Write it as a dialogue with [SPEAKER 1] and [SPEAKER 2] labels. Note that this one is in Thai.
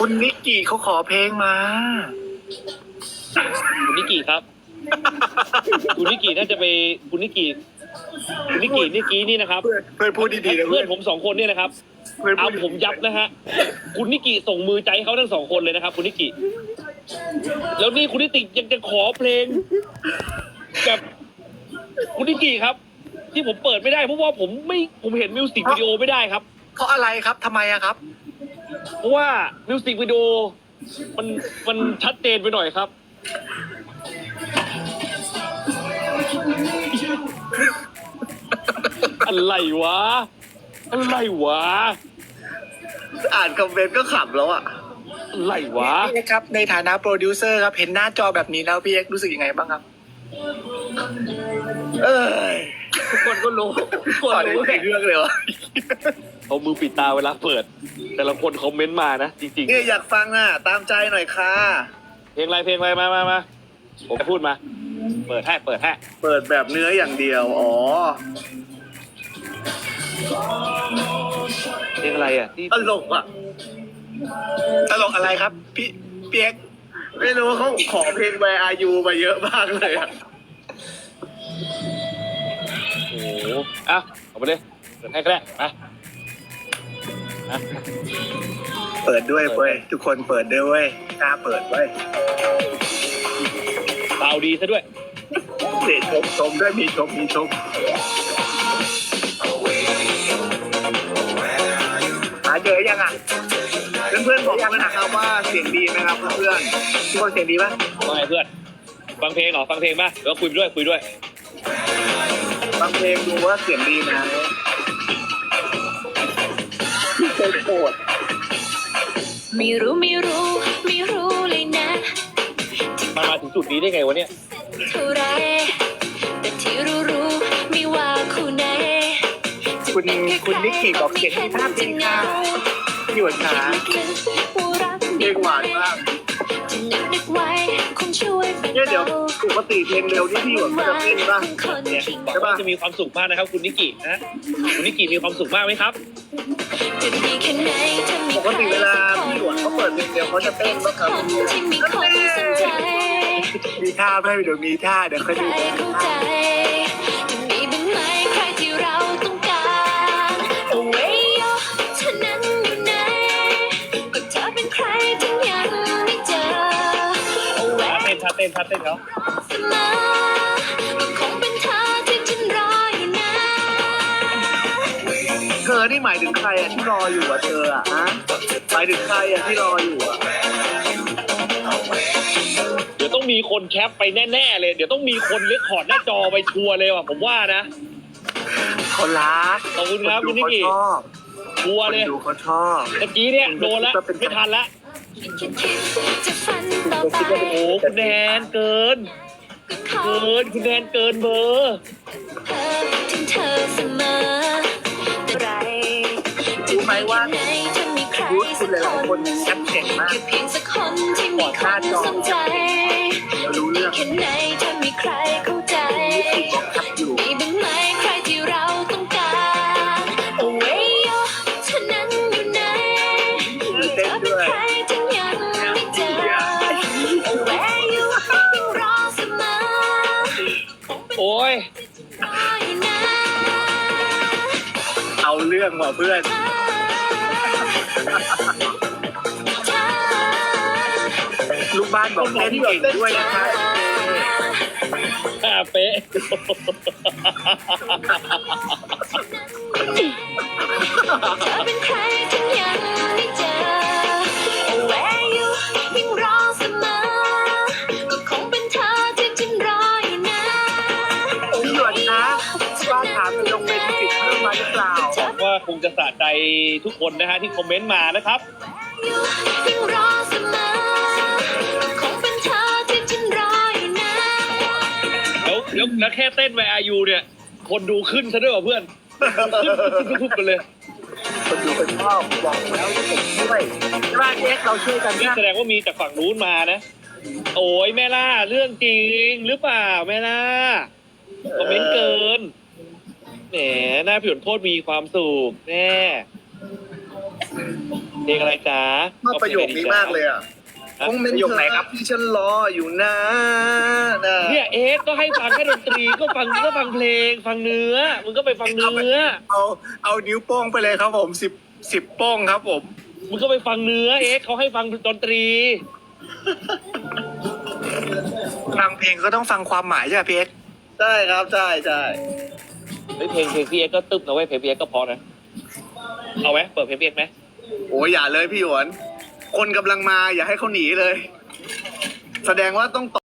[SPEAKER 1] คุณนิกกี้เขาขอเพลงมา
[SPEAKER 2] คุณนิกิครับ คุณนิกิน่าจะไปคุณนิกินี่นะครับ
[SPEAKER 1] เพื่อนพูดดีๆนะ
[SPEAKER 2] เพื่อนผม2 คนเนี่ยนะครับ
[SPEAKER 1] เพื่อน
[SPEAKER 2] เอา
[SPEAKER 1] พูด
[SPEAKER 2] ผมยับนะฮะคุณนิกิส่งมือใจให้เขาทั้ง2 คนเลยนะครับ คุณนิกิแล้วนี่คุณนิติยังจะขอเพลงกับคุณนิกิครับ ที่ผมเปิดไม่ได้เพราะว่าผมเห็นมิวสิกวิดีโอไม่ได้ครับ
[SPEAKER 1] เพราะอะไรครับทำไมอะครับ
[SPEAKER 2] เพราะว่ามิวสิกวิดีโอมันชัดเจนไปหน่อยครับ อะไรวะ
[SPEAKER 1] อ่านคอมเมนต์ก็ขำแล้วอะ
[SPEAKER 2] อะไรวะ
[SPEAKER 1] พี่เอ็กซ์ครับในฐานะโปรดิวเซอร์ครับเห็นหน้าจอแบบนี้แล้วพี่เอ็กซ์รู้สึกยังไงบ้างครับ เอ้ย
[SPEAKER 2] ทุกคนก็รู้ทุกคน
[SPEAKER 1] ต่อใน
[SPEAKER 2] รู้
[SPEAKER 1] เรื่องเลยวะ
[SPEAKER 2] เอามือปิดตาเวลาเปิด แต่ละคนคอมเมนต์มานะ จริง
[SPEAKER 1] เนี่ยอยากฟังอะตามใจหน่อยค่ะ
[SPEAKER 2] ๆ เพลงอะไรมาผมพูดมา เปิดให้
[SPEAKER 1] เปิดแบบเนื้ออย่างเดียว อ๋อ
[SPEAKER 2] เพลงอะไรอ่ะที่
[SPEAKER 1] ตลกอะตลกอะไรครับ พี่เอ็กซ์ไม่รู้เขาขอเพลง Where Are You มาเยอะมากเลยอะ
[SPEAKER 2] โอ้โหอ่ะเอาไปเลยเปิดให้ก็ได้มาอ่ะ
[SPEAKER 1] เปิดด้วยเว้ยทุกคนเปิดด้วยเว้ยกล้าเปิดเว้ย
[SPEAKER 2] เบาดีซะด้วย
[SPEAKER 1] เสียชมด้วยมีชมหาเจอยังอ่ะเพื่อนๆบอกมานะครับว่าเสียงดีไหมครับเพื่อนทุกคนเสียงดีปะ
[SPEAKER 2] ว่าไงเพื่อน ฟังเพลงเหรอ ฟังเพลงป่ะหรือว่าคุยด้วย
[SPEAKER 1] ฟังเพลงดูว่าเสียงดีนะพี่เคยโกรธ
[SPEAKER 3] ไม่รู้เลยนะ
[SPEAKER 2] มันมาถึงจุดนี้ได้ไงวะเนี่ย
[SPEAKER 3] เท่าไรแต่ที่รู้ไม่ว่าคู่ไหน
[SPEAKER 1] คุณนิกกี้บอกเสียงดีมากจริงค่ะหยวนขาเพลงหวานมาก
[SPEAKER 3] จะนึกไว้คงช่วยเป็น
[SPEAKER 1] เนี่ยเดี๋ยวปกติเพลงเร็วที่พี่หยวนเขาจะเต้นป่ะ
[SPEAKER 2] เนี่ยบอกว่าจะมีความสุขมากนะครับ คุณนิกินะคุณนิกิมีความสุขมากไหมครับ
[SPEAKER 3] จะดีแค่ไหนถ้ามี
[SPEAKER 1] ปกติเวลาพี่หยวนเขาเปิดเพลงเร็วเขาจะเต้นป่ะครับ
[SPEAKER 3] คนที่มีคนสนใจ
[SPEAKER 1] มีท่าไหมเดี๋ยวมีท่าเดี๋ยวค่อย
[SPEAKER 3] ใคร
[SPEAKER 1] ดู
[SPEAKER 3] เข้าใจจะมีบ้างไหมใครที่เราต้องการเอาไว้ยอเธอนั้นอยู่ไหนก็เธอเป็นใครถึงยังไม่เจอเอาไว้
[SPEAKER 2] ท่าเต้นเขา
[SPEAKER 3] เสมอก็คงเป็นเธอที่ฉันรออยู่นะ
[SPEAKER 1] เธอนี่หมายถึงใครอ่ะที่รออยู่อ่ะเธออ่ะฮะหมายถึงใครอ่ะที่รออยู่อ่ะ
[SPEAKER 2] เดี๋ยวต้องมีคนแคปไปแน่ๆเลย เดี๋ยวต้องมีคนเรคคอร์ดหน้าจอไปชัวร์เลยว่ะผมว่านะ
[SPEAKER 1] เขารัก
[SPEAKER 2] ขอบคุณครับคุณนิกกี้
[SPEAKER 1] ชอบ
[SPEAKER 2] ชัวร์
[SPEAKER 1] คน
[SPEAKER 2] เลย
[SPEAKER 1] ดูเขาชอบ
[SPEAKER 2] ตะกี้เนี่ยโดนแล้วไม่ทันละ
[SPEAKER 3] คิดจะฝันต่อไป
[SPEAKER 2] โอ้โหคุณแนนเกิน
[SPEAKER 3] ก็ขอ
[SPEAKER 2] คุณแนนเกินเบอร์
[SPEAKER 3] เธอถึงเธอเสมอแต่ไร
[SPEAKER 1] รู้ไหมว่า
[SPEAKER 3] ไหนถ้ามีใคร
[SPEAKER 1] ยุทธคุ
[SPEAKER 3] สั
[SPEAKER 1] ณ
[SPEAKER 3] ก
[SPEAKER 1] หลาย
[SPEAKER 3] ค
[SPEAKER 1] ๆคน
[SPEAKER 3] น
[SPEAKER 1] แอปเก่งมาก
[SPEAKER 3] แค่เพียงสักคนที่มีคนสนใจ
[SPEAKER 1] เรารู้เรื่อง
[SPEAKER 3] แค่ไหนถ้ามีใครเข้าใจ
[SPEAKER 1] แอปอยู่
[SPEAKER 3] มีบ้างไหมใครที่เราต้องการเอาไว้ยอเธอนั้นอยู่ไหนเธอเป็นใครที่ยังไม่เจอเอาไว้อยู่ยังรอเสมอ
[SPEAKER 2] โอ้ย
[SPEAKER 3] รออยู่นะ
[SPEAKER 1] เอาเรื่องว่ะเพื่อน ลูกบ้านบอกเต้นเก่งด้วยนะคะ
[SPEAKER 2] เป๊ะ
[SPEAKER 3] เธอเป็นใครที่ยังไม่เจอเอาไว้อยู่ยังรอเสมอก็คงเป็นเธอที่ฉันรออยู่นะ
[SPEAKER 1] พี่หยวนนะบ้านถามเป็นลงเป็นสิทธิ์เพิ่มมาหรือเปล่า
[SPEAKER 2] หวังว่าคงจะสะใจทุกคนนะฮะที่คอมเมนต์มานะครับ
[SPEAKER 3] ยังรอเสมอคงเป็นเธอที่ฉันรออยู่นะ
[SPEAKER 2] แล้วแค่เต้น Where Are You เนี่ย คนดูขึ้นซะด้วยว่ะเพื่อนขึ้นทุบกันเลย
[SPEAKER 1] คนดูคนชอบบอกแล้วว่าผมช่วยบ้านเอ็กเราช่วยกัน
[SPEAKER 2] นี่
[SPEAKER 1] นะ
[SPEAKER 2] แสดงว่ามีจากฝั่งนู้นมานะ โอ้ยแม่ล่าเรื่องจริงหรือเปล่าแม่ล่าคอมเมนต์เกินแหมหน้าผิวโทษมีความสุขแน่เพลงอะไรจ๊ะ
[SPEAKER 4] ชอบประโยคนี้มากเลยอ่ะคงเป็น
[SPEAKER 1] ประโยค
[SPEAKER 4] เธ
[SPEAKER 1] ไหน
[SPEAKER 4] อ
[SPEAKER 1] ครับ
[SPEAKER 4] ที่ฉันรออยู่นะนะ
[SPEAKER 2] เนี่ยเอ๊ะก็ให้ฟังแค่ดนตรีก็ฟังเพลงฟังเนื้อมึงก็ไปฟังเนื้อ
[SPEAKER 1] เอานิ้วโป้งไปเลยครับผม10โป้งครับผม
[SPEAKER 2] มึงก็ไปฟังเนื้อเอ๊ะเขาให้ฟังดนตรี
[SPEAKER 1] ฟังเพลงก็ต้องฟังความหมายใช่ไหมพี่เอ็กซ์
[SPEAKER 4] ใช่ครับใช่ใช่
[SPEAKER 2] เฮ้ยเพลงพี่เอ็กก็ตึ๊บนะเว้ยเพลงพี่เอ็กก็เพอนะเอาไหมเปิดเพลงพี่เอ็กไหม
[SPEAKER 4] โอ้ยอย่าเลยพี่หยวนคนกำลังมาอย่าให้เขาหนีเลย แสดงว่าต้อง